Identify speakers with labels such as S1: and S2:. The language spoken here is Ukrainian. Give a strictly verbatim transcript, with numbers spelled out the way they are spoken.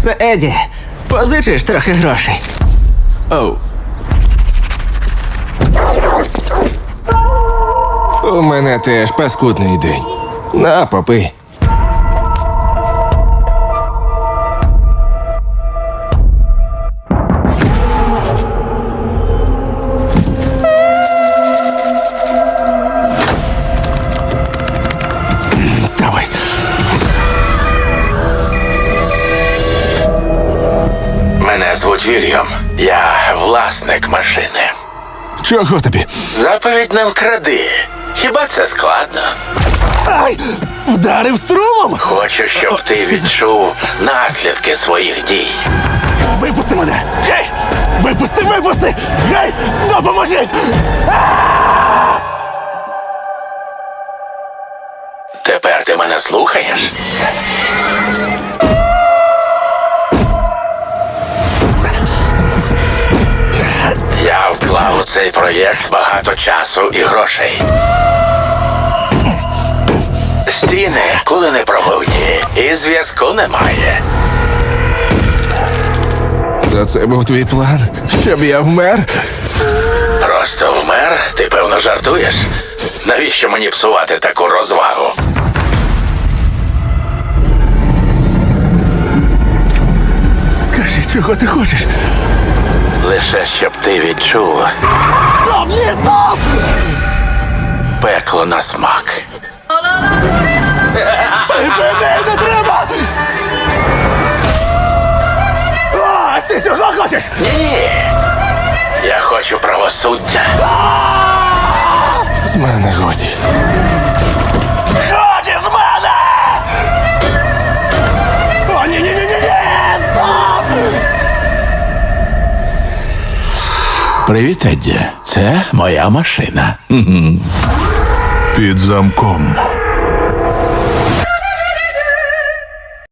S1: Це Еді. Позичиш трохи грошей.
S2: Оу. У мене теж паскудний день. На, попий. Давай.
S3: Мене звуть Вільям. Я власник машини.
S2: Чого тобі?
S3: Заповідь не вкради. Хіба це складно?
S2: Ай! Вдарив струмом!
S3: Хочу, щоб ти відчув наслідки своїх дій.
S2: Випусти мене! Гей! Випусти, випусти! Гей! Допоможіть!
S3: Тепер ти мене слухаєш? Я вклав у цей проєкт багато часу і грошей. Стіни коли не пробуті, і зв'язку немає.
S2: То це був твій план? Щоб я вмер?
S3: Просто вмер? Ти, певно, жартуєш? Навіщо мені псувати таку розвагу?
S2: Скажи, чого ти хочеш?
S3: Лише щоб ти відчув
S2: Стоп, ні, стоп!
S3: пекло на смак.
S2: Припини, не треба! О, ти цього хочеш?
S3: Ні. Я хочу правосуддя.
S2: З мене годі.
S3: Годі з мене!
S2: О, ні, ні, ні, ні, ні! Стоп!
S3: Привіт, Едді. Це моя машина.
S4: Під замком.